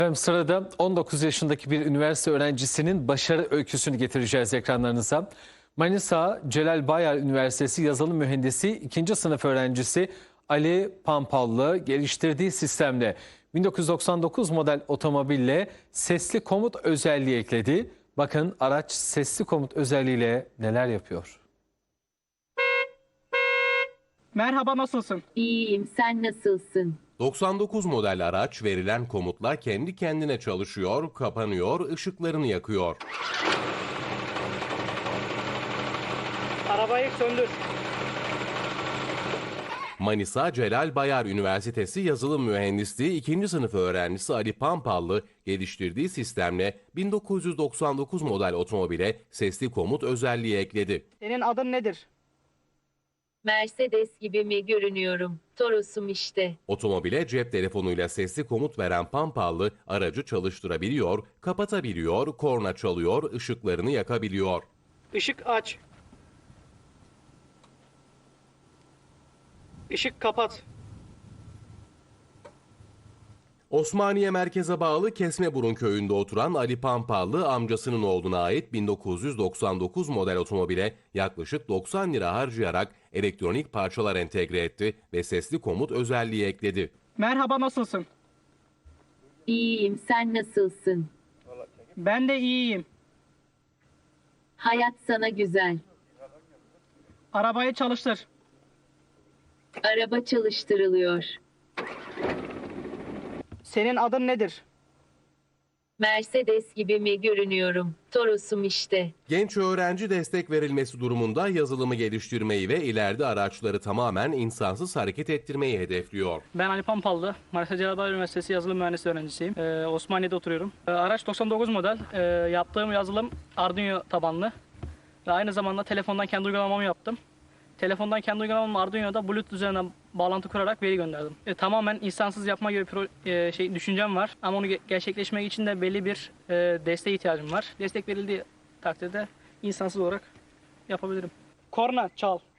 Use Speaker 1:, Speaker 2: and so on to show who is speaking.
Speaker 1: Efendim sırada 19 yaşındaki bir üniversite öğrencisinin başarı öyküsünü getireceğiz ekranlarınıza. Manisa Celal Bayar Üniversitesi Yazılım Mühendisi 2. sınıf öğrencisi Ali Pampallı geliştirdiği sistemle 1999 model otomobille sesli komut özelliği ekledi. Bakın araç sesli komut özelliğiyle neler yapıyor.
Speaker 2: Merhaba, nasılsın?
Speaker 3: İyiyim, sen nasılsın?
Speaker 4: 99 model araç verilen komutla kendi kendine çalışıyor, kapanıyor, ışıklarını yakıyor.
Speaker 2: Arabayı söndür.
Speaker 4: Manisa Celal Bayar Üniversitesi Yazılım Mühendisliği 2. sınıf öğrencisi Ali Pampallı geliştirdiği sistemle 1999 model otomobile sesli komut özelliği ekledi.
Speaker 2: Senin adın nedir?
Speaker 3: Mercedes gibi mi görünüyorum? Toros'um işte.
Speaker 4: Otomobile cep telefonuyla sesli komut veren Pampallı aracı çalıştırabiliyor, kapatabiliyor, korna çalıyor, ışıklarını yakabiliyor.
Speaker 2: Işık aç. Işık kapat.
Speaker 4: Osmaniye merkeze bağlı Kesmeburun köyünde oturan Ali Pampallı amcasının oğluna ait 1999 model otomobile yaklaşık 90 lira harcayarak elektronik parçalar entegre etti ve sesli komut özelliği ekledi.
Speaker 2: Merhaba, nasılsın?
Speaker 3: İyiyim, sen nasılsın?
Speaker 2: Ben de iyiyim.
Speaker 3: Hayat sana güzel.
Speaker 2: Arabayı çalıştır.
Speaker 3: Araba çalıştırılıyor.
Speaker 2: Senin adın nedir?
Speaker 3: Mercedes gibi mi görünüyorum? Toros'um işte.
Speaker 4: Genç öğrenci destek verilmesi durumunda yazılımı geliştirmeyi ve ileride araçları tamamen insansız hareket ettirmeyi hedefliyor.
Speaker 5: Ben Ali Pampallı, Manisa Celal Bayar Üniversitesi Yazılım Mühendisliği öğrencisiyim. Osmaniye'de oturuyorum. Araç 99 model. Yaptığım yazılım Arduino tabanlı. Ve aynı zamanda telefondan kendi uygulamamı yaptım. Telefondan kendi uygulamamı Arduino'da Bluetooth üzerinden bağlantı kurarak veri gönderdim. Tamamen insansız yapma gibi düşüncem var. Ama onu gerçekleşmek için de belli bir desteğe ihtiyacım var. Destek verildiği takdirde insansız olarak yapabilirim.
Speaker 2: Korna çal.